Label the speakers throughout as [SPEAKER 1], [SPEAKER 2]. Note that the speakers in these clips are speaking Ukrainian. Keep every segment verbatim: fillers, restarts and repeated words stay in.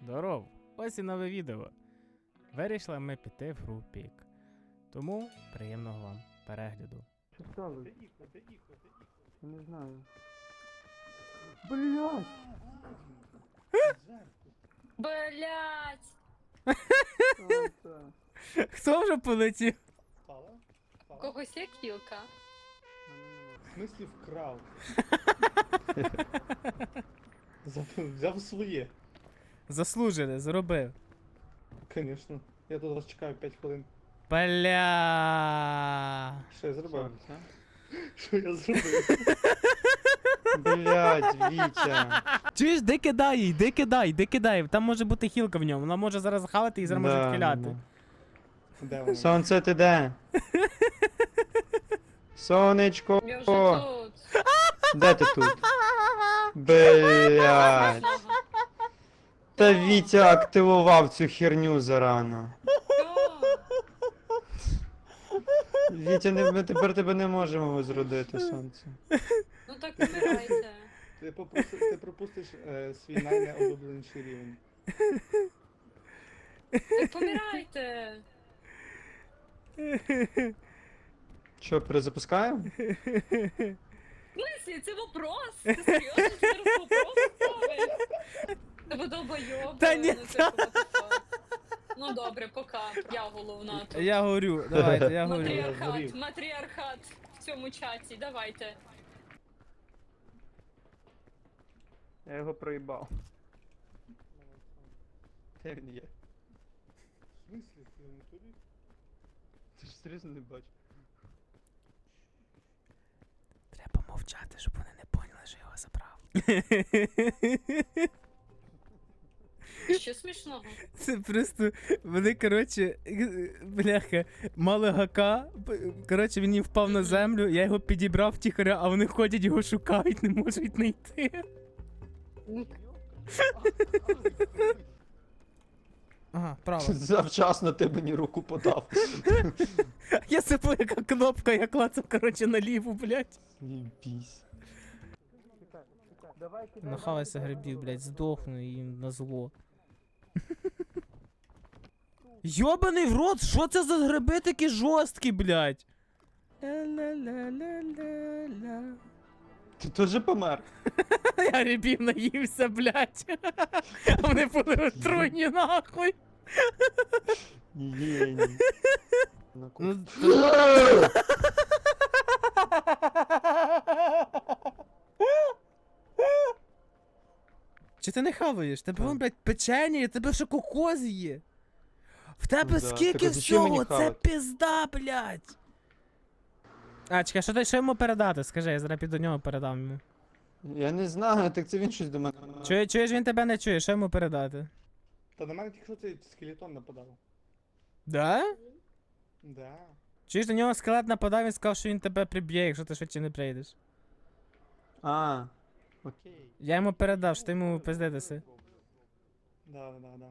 [SPEAKER 1] Здоров! Ось і нове відео. Вирішили ми піти в гру Пік. Тому приємного вам перегляду.
[SPEAKER 2] Що сталося? Я не знаю. Блять!
[SPEAKER 3] Блять!
[SPEAKER 1] Хто вже полетів?
[SPEAKER 4] Впала? Впала?
[SPEAKER 3] Когось є кілка.
[SPEAKER 4] В смислі вкрав? Взяв- Взяв своє.
[SPEAKER 1] Заслужили, зробив.
[SPEAKER 4] Конечно. Я тут вас чекаю п'ять хвилин.
[SPEAKER 1] Бля.
[SPEAKER 4] Що я зробив? Що я зробив?
[SPEAKER 2] Блять, Вітя.
[SPEAKER 1] Чуєш, де кидай їй, де кидай, де кидай. Там може бути хілка в ньому. Вона може зараз хавати і зараз може
[SPEAKER 2] Да,
[SPEAKER 1] відхиляти.
[SPEAKER 2] да.
[SPEAKER 4] Де воно?
[SPEAKER 2] Сонце ти де? Сонечко.
[SPEAKER 3] Я вже тут.
[SPEAKER 2] Де ти тут? Блять. Та Вітя активував цю херню зарано. Вітя, не, ми тепер тебе не можемо возродити, сонце.
[SPEAKER 3] Ну так помирайте.
[SPEAKER 4] Ти, попусти, ти пропустиш е, свій найнеулюбленіший рівень.
[SPEAKER 3] Так помирайте.
[SPEAKER 2] Що, перезапускаємо?
[SPEAKER 3] В смысле, це вопрос? Ти серйозно зараз вопрос ставиш? Та ви долбойоби.
[SPEAKER 1] Та ні,
[SPEAKER 3] ну, типу, what the fuck. Ну добре, пока. Я головна тут.
[SPEAKER 1] Я говорю, давайте, я говорю.
[SPEAKER 3] Матріархат,
[SPEAKER 4] Згорів.
[SPEAKER 3] матріархат в цьому чаті, давайте.
[SPEAKER 2] Я його проїбав. Де він є?
[SPEAKER 4] В смислі? Ти не туди?
[SPEAKER 2] Ти ж серйозно не бачиш.
[SPEAKER 1] Треба мовчати, щоб вони не поняли, що я його забрав.
[SPEAKER 3] Що смішного?
[SPEAKER 1] Це просто, вони, коротше, бляха, мали гака, б- коротше, він їм впав на землю, я його підібрав тихоря, а вони ходять, його шукають, не можуть знайти. Ага, право.
[SPEAKER 2] Завчасно ти мені руку подав.
[SPEAKER 1] Я забув, яка кнопка, я клацав, коротше, наліву, блядь.
[SPEAKER 2] Єбісь.
[SPEAKER 1] Нахавайся грибів, блядь, здохну їм на зло. Йобаний в рот, що це за гриби такі жорсткі, блядь? Ля-ля-ля-ля-ля-ля.
[SPEAKER 2] Ти теж помер?
[SPEAKER 1] Я грибів наївся, блядь. А вони були отруйні, нахуй.
[SPEAKER 2] Єні.
[SPEAKER 1] Ну, Чи ти не хаваєш? Тебе вон, блядь, печення, і тебе ще кокос є. В тебе
[SPEAKER 2] Да,
[SPEAKER 1] скільки
[SPEAKER 2] так а зачем мені
[SPEAKER 1] всього? Це
[SPEAKER 2] хавати?
[SPEAKER 1] пізда, блядь. А, чекай, що, ти- що йому передати? Скажи, я зараз піду до нього передам йому.
[SPEAKER 2] Я не знаю, так це він щось до мене.
[SPEAKER 1] Чує, чуєш, він тебе не чує, що йому передати?
[SPEAKER 4] Та на мене тільки що цей скелетон нападав.
[SPEAKER 1] Да?
[SPEAKER 4] Да.
[SPEAKER 1] Чуєш, до нього скелет нападав, він сказав, що він тебе приб'є, якщо ти швидше не прийдеш.
[SPEAKER 2] А, окей.
[SPEAKER 1] Я йому передав, що ти йому пиздитися.
[SPEAKER 4] Да, да, да.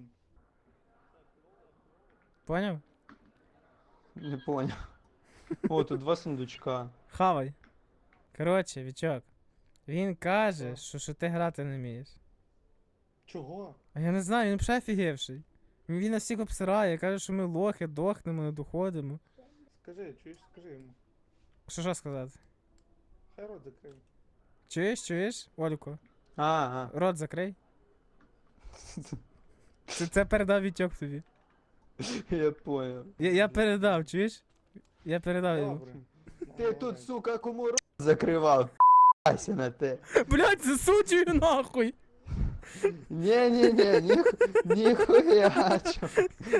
[SPEAKER 1] Поняв?
[SPEAKER 2] Не поняв. О, тут два сундучка.
[SPEAKER 1] Хавай. Коротше, Вічок. Він каже, що, що ти грати не вмієш.
[SPEAKER 4] Чого?
[SPEAKER 1] А я не знаю, він взагалі офігевший. Він він нас всіх обсирає, каже, що ми лохи, дохнемо, не доходимо.
[SPEAKER 4] Скажи, чуєш, скажи йому.
[SPEAKER 1] Що що сказати?
[SPEAKER 4] Хай рот закрив.
[SPEAKER 1] Чуєш, чуєш? Олько,
[SPEAKER 2] А, а.
[SPEAKER 1] рот закрий. Це, це передав Вітьок тобі.
[SPEAKER 2] Я поняв.
[SPEAKER 1] Я, я передав, чуєш? Я передав йому.
[SPEAKER 4] Добре.
[SPEAKER 2] Ти тут, сука, кому рот закривав? П***ся на те.
[SPEAKER 1] Блять, засуджую нахуй!
[SPEAKER 2] Ні-ні-ні, ні, ніхуя чо.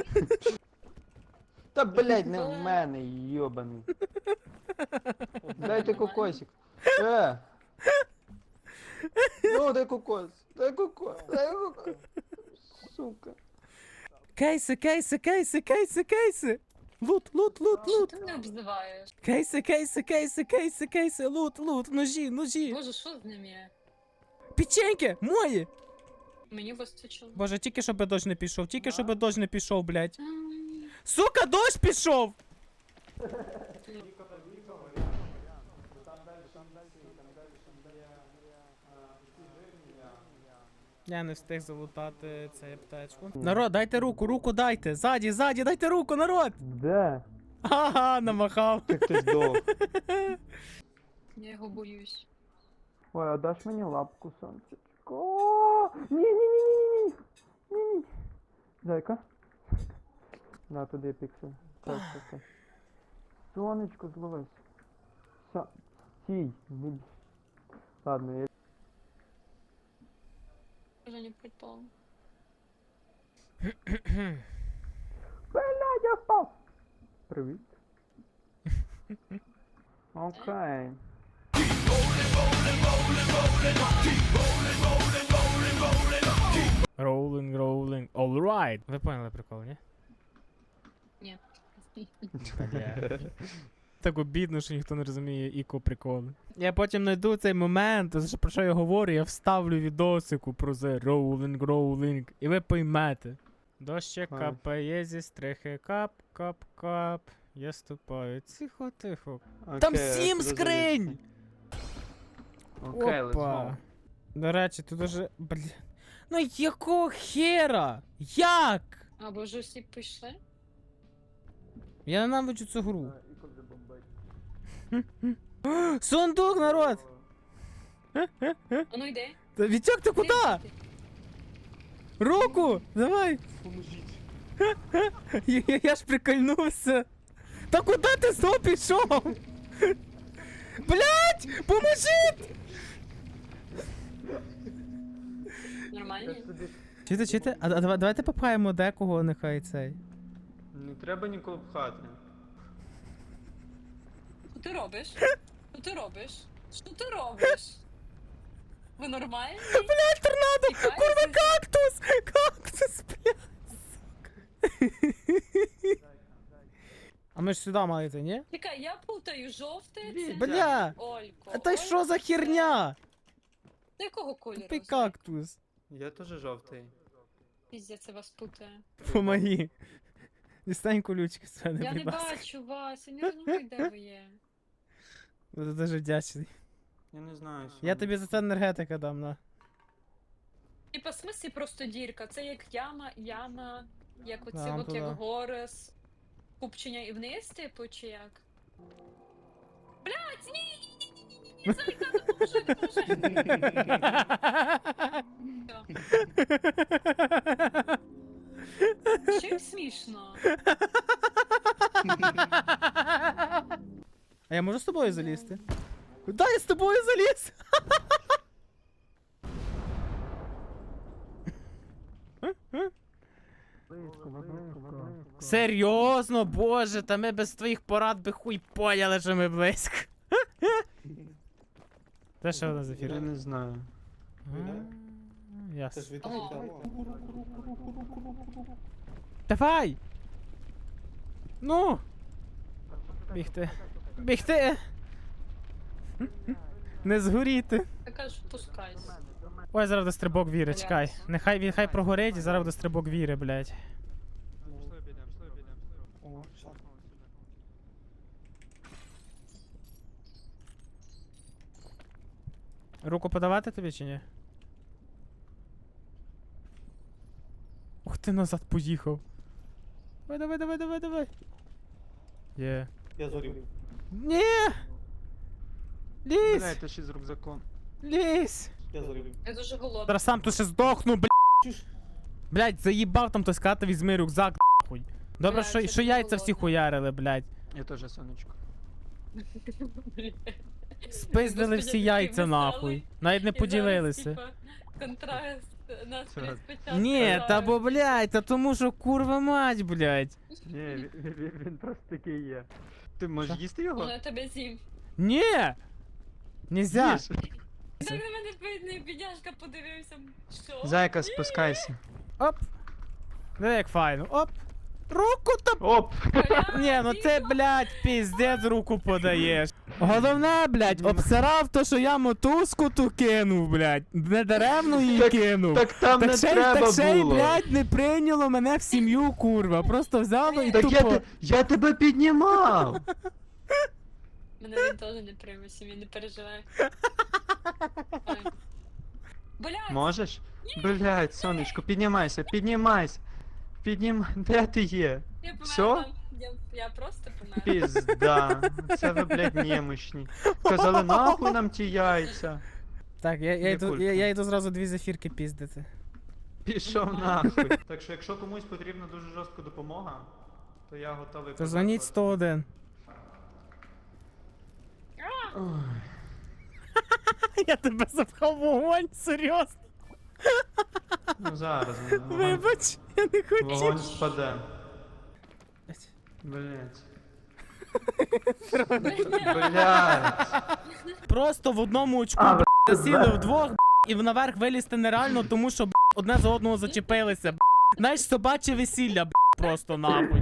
[SPEAKER 2] Та блять, не в мене, йобаний. Дайте кокосик. Е. Ну, дай кокос. Дай кокос. Дай кокос. Сука.
[SPEAKER 1] Кейси, кейси, кейси, кейси, кейси! Лут, лут, лут,
[SPEAKER 3] Що
[SPEAKER 1] лут!
[SPEAKER 3] ти мене обзиваєш?
[SPEAKER 1] Кейси, кейси, кейси, кейси, кейси, лут, лут, ножі, ножі!
[SPEAKER 3] Боже, що з ним є?
[SPEAKER 1] Печеньки, мої!
[SPEAKER 3] Мені вистачило.
[SPEAKER 1] Боже, тільки щоб дощ не пішов, тільки щоб дощ не пішов, блядь.
[SPEAKER 3] М,
[SPEAKER 1] Сука, дощ пішов! Я не встиг залутати цей аптечку. Народ, дайте руку, руку дайте. Ззаді, ззаді, дайте руку, народ!
[SPEAKER 2] Де?
[SPEAKER 1] Ага, намахав.
[SPEAKER 2] Як ти здох?
[SPEAKER 3] Я його боюсь.
[SPEAKER 2] Ой, а даш мені лапку, сонечко? Ні, ні, ні, ні, ні, ні, ні. Зайка. На, туди піксель. Так, так, так. Сонечко, зловись. Са... Стій. Не б- Ладно, я...
[SPEAKER 3] Вже не припав.
[SPEAKER 2] Блядь, я впав! Привіт. Окей.
[SPEAKER 1] Rolling, rolling, alright. Ви поняли прикол, ні?
[SPEAKER 3] Ні.
[SPEAKER 1] Бля. Так обідно, що ніхто не розуміє іко приколи. Я потім знайду цей момент, за що- про що я говорю, я вставлю відосику про це rolling, rolling, і ви поймете. Дощик
[SPEAKER 2] Ай.
[SPEAKER 1] капає зі стрихи, кап, кап, кап. Я ступаю. Тихо, тихо.
[SPEAKER 2] Окей,
[SPEAKER 1] Там
[SPEAKER 2] а
[SPEAKER 1] сім
[SPEAKER 2] куди
[SPEAKER 1] скринь!
[SPEAKER 2] залізти? Окей, let's
[SPEAKER 1] Опа.
[SPEAKER 2] go.
[SPEAKER 1] До речі, тут уже. Бля. Ну якого хера? Як?
[SPEAKER 3] А ви вже всі пішли?
[SPEAKER 1] Я ненавиджу цю гру. Сундук, народ!
[SPEAKER 3] А ну йди.
[SPEAKER 1] Та Вітьок, ти куди? Руку! Давай!
[SPEAKER 4] Поможіть.
[SPEAKER 1] Я, я, я ж прикольнувся. Та куди ти знов пішов? Блять! Поможіть!
[SPEAKER 3] Нормально?
[SPEAKER 1] Чите, чите? А, а давай- давайте попхаємо декого, нехай цей.
[SPEAKER 2] Не треба нікого пхати.
[SPEAKER 3] Що ти робиш? Що ти робиш? Що ти робиш? Ви нормальні?
[SPEAKER 1] Блять, торнадо!
[SPEAKER 3] Тікаєте?
[SPEAKER 1] Курва, кактус! Кактус, блять! А ми ж сюди мали йти, ні?
[SPEAKER 3] Чекай, я путаю жовте це.
[SPEAKER 1] Бля!
[SPEAKER 3] Олько.
[SPEAKER 1] А та й що за херня?
[SPEAKER 3] Ти якого кольору?
[SPEAKER 1] Ти кактус.
[SPEAKER 2] Я теж жовтий.
[SPEAKER 3] Піздя, це вас путає.
[SPEAKER 1] Помоги. Дістань колючки з мене,
[SPEAKER 3] Я не
[SPEAKER 1] будь ласка.
[SPEAKER 3] бачу вас, я не розумію, де ви є.
[SPEAKER 1] Буду дуже вдячний.
[SPEAKER 2] Я не знаю.
[SPEAKER 1] Я тобі за це енергетика дам, на.
[SPEAKER 3] Типа, в смислі просто дірка. Це як яма, яма, як оці
[SPEAKER 1] Да,
[SPEAKER 3] от
[SPEAKER 1] туди.
[SPEAKER 3] як гори з купчення і вниз, типу, чи як? Блять, ні, ні, ні, ні, ні, ні, Зайка, допоможи, допоможи. Чим смішно?
[SPEAKER 1] А я можу з тобою залізти? Да, я з тобою заліз! Серйозно, боже, та ми без твоїх порад би хуй поняли, що ми близько. Це що у нас за
[SPEAKER 2] Я
[SPEAKER 1] ефір?
[SPEAKER 2] не знаю.
[SPEAKER 1] А,
[SPEAKER 4] Це
[SPEAKER 1] Ясно.
[SPEAKER 4] ж від того.
[SPEAKER 1] Давай! Ну! Бігти. Бігти! Не згоріти.
[SPEAKER 3] Я кажу, пускайся.
[SPEAKER 1] Ой, зараз буде стрибок віри, чекай. Нехай, нехай прогорить, і зараз буде стрибок віри, блядь.
[SPEAKER 4] О, шах.
[SPEAKER 1] Руку подавати тобі чи ні? Ух ти, назад поїхав. Давай, давай, давай, давай, давай. Є.
[SPEAKER 4] Я зорів.
[SPEAKER 1] Ні! Лізь!
[SPEAKER 2] Блядь, ти ще з рюкзаком.
[SPEAKER 1] Лізь!
[SPEAKER 4] Я зорів.
[SPEAKER 3] Я дуже голодна.
[SPEAKER 1] Зараз сам тут ще здохну, блядь!
[SPEAKER 4] Чуш?
[SPEAKER 1] Блядь, заїбав там той сказати, візьми рюкзак, нахуй. Добре,
[SPEAKER 3] Блядь,
[SPEAKER 1] що,
[SPEAKER 3] я
[SPEAKER 1] що
[SPEAKER 3] дуже
[SPEAKER 1] яйця всі
[SPEAKER 3] голодна.
[SPEAKER 1] хуярили, блядь.
[SPEAKER 2] Я теж сонечко.
[SPEAKER 1] Спиздили
[SPEAKER 3] Господи,
[SPEAKER 1] всі
[SPEAKER 3] такий
[SPEAKER 1] яйця,
[SPEAKER 3] веселий.
[SPEAKER 1] нахуй. Навіть не
[SPEAKER 3] І зараз,
[SPEAKER 1] поділилися.
[SPEAKER 3] типа, контраст нас
[SPEAKER 2] Це раз.
[SPEAKER 3] спочатку.
[SPEAKER 1] Ні, та бо, блядь, та тому що курва мать, блядь.
[SPEAKER 2] Ні, він, він, він просто такий є. Ти можеш
[SPEAKER 1] Що?
[SPEAKER 2] їсти його?
[SPEAKER 3] Ну, я тебе з'їм.
[SPEAKER 1] Ні! Нельзя!
[SPEAKER 2] Їж.
[SPEAKER 3] Так на мене бідний бідняшка подивився. Що?
[SPEAKER 2] Зайка, спускайся.
[SPEAKER 1] Оп! Диви, як файно. Оп! Руку та...
[SPEAKER 2] Оп!
[SPEAKER 3] Бля,
[SPEAKER 1] Ні, ну ти,
[SPEAKER 3] Діма.
[SPEAKER 1] блядь, піздець руку подаєш. Головне, блядь, обсирав то, що я мотузку ту кинув, блядь. Не даремно її
[SPEAKER 2] Так-
[SPEAKER 1] кинув.
[SPEAKER 2] Так там
[SPEAKER 1] Так
[SPEAKER 2] не
[SPEAKER 1] ще, й-
[SPEAKER 2] треба
[SPEAKER 1] так ще й,
[SPEAKER 2] було.
[SPEAKER 1] блядь, не прийняло мене в сім'ю, курва. Просто взяло і
[SPEAKER 2] Так я,
[SPEAKER 1] тупо...
[SPEAKER 2] те- я тебе піднімав!
[SPEAKER 3] Мене він теж не прийме сім'ї, не переживай. Ой. Блядь,
[SPEAKER 2] Можеш? Блядь, сонечко, піднімайся, піднімайся. Піднім... Де ти є?
[SPEAKER 3] я померла.
[SPEAKER 2] Всьо?
[SPEAKER 3] Я, я просто померла.
[SPEAKER 2] Пізда. Це ви, блядь, немощні. Казали, нахуй нам ті яйця.
[SPEAKER 1] Так, я, я,
[SPEAKER 2] Не
[SPEAKER 1] йду,
[SPEAKER 2] кулька.
[SPEAKER 1] я, я йду зразу дві зефірки піздити.
[SPEAKER 2] Пішов нахуй. Так що, якщо комусь потрібна дуже жорстка допомога, то я готовий.
[SPEAKER 1] То дзвоніть сто один.
[SPEAKER 2] Ой.
[SPEAKER 1] Я тебе запхав в вогонь, серйозно.
[SPEAKER 2] Ну зараз, ну, вогонь,
[SPEAKER 1] Вибач, я не
[SPEAKER 2] вогонь
[SPEAKER 1] хотів.
[SPEAKER 2] спаде. Блять.
[SPEAKER 3] Блядь.
[SPEAKER 2] Блять.
[SPEAKER 1] Просто в одному очку
[SPEAKER 2] А,
[SPEAKER 1] б**, засіли вдвох б**, і наверх вилізти нереально, тому що б**, одне за одного зачепилися. б**. Знаєш, собаче весілля, б**, просто нахуй.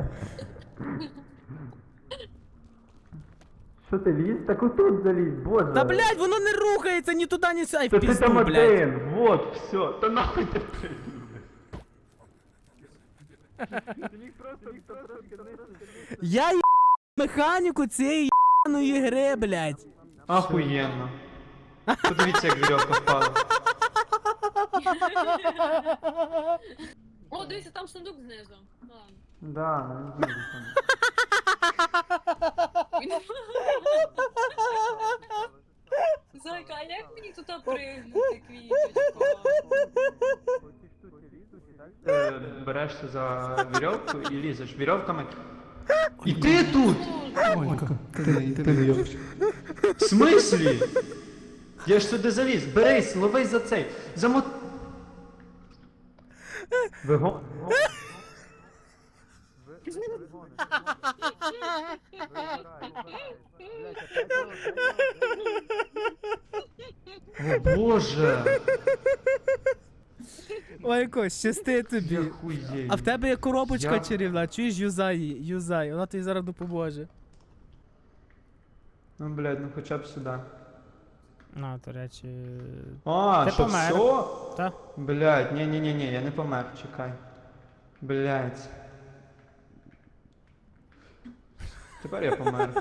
[SPEAKER 2] Що ти ліз? Так отут заліз, боже.
[SPEAKER 1] Та блядь, воно не рухається ні туди, ні сюди. Ай, в
[SPEAKER 2] Та ти
[SPEAKER 1] пізду,
[SPEAKER 2] там
[SPEAKER 1] блядь.
[SPEAKER 2] один, вот, все. Та нахуй ти
[SPEAKER 1] Я є механіку цієї єбаної гри, блядь.
[SPEAKER 2] Ахуєнно. Подивіться, як вірьовка впала.
[SPEAKER 3] О, дивіться, там сундук знизу. Ладно.
[SPEAKER 2] Да, не знаю там.
[SPEAKER 3] Зайка, а як мені тут пригнути, квіточко?
[SPEAKER 2] Е, Берешся за вірьовку і лізеш вірьовками. І ти тут! В смислі? Я ж сюди заліз. Берись, ловись за цей. Замот... Виго... О боже!
[SPEAKER 1] Ой, Кось, щасти тобі.
[SPEAKER 2] Я хуєю.
[SPEAKER 1] А в тебе є коробочка
[SPEAKER 2] Я-
[SPEAKER 1] чарівна, чуєш, юзай її, юзай, вона тобі зараз допоможе.
[SPEAKER 2] Ну, блядь, ну хоча б сюди.
[SPEAKER 1] А, до речі.
[SPEAKER 2] А,
[SPEAKER 1] Ти
[SPEAKER 2] що,
[SPEAKER 1] помер.
[SPEAKER 2] все?
[SPEAKER 1] Та?
[SPEAKER 2] Блядь, ні-ні-ні, я не помер, чекай. Блядь. Тепер я помер.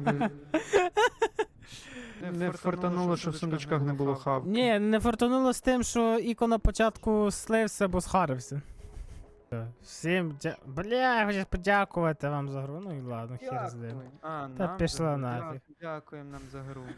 [SPEAKER 2] Не фартануло, що в сундучках не було хав.
[SPEAKER 1] Ні, не фортунуло з тим, що Іко на початку слився, бо схарився. Всім дя... Бля, хочу подякувати вам за гру, ну і ладно, хер з ним.
[SPEAKER 2] А,
[SPEAKER 1] Та
[SPEAKER 2] нам
[SPEAKER 1] пішла
[SPEAKER 2] за-
[SPEAKER 1] нафіг.
[SPEAKER 2] Дякуємо нам за гру.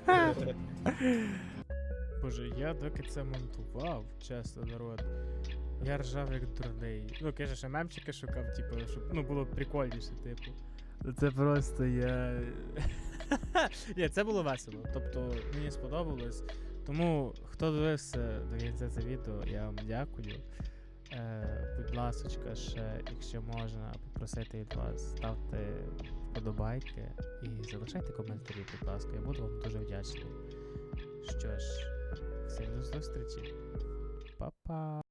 [SPEAKER 1] Боже, я доки це монтував, чесно, народ. Я ржав як дурний. Ну, каже, ще мемчики шукав, типу, щоб ну було прикольніше, типу. Це просто я. Ні, це було весело. Тобто мені сподобалось. Тому хто дивився до кінця це відео, я вам дякую. Е, будь ласочка, ще, якщо можна попросити від вас, ставте вподобайки і залишайте коментарі, будь ласка. Я буду вам дуже вдячний. Що ж, всім до зустрічі. Па-па.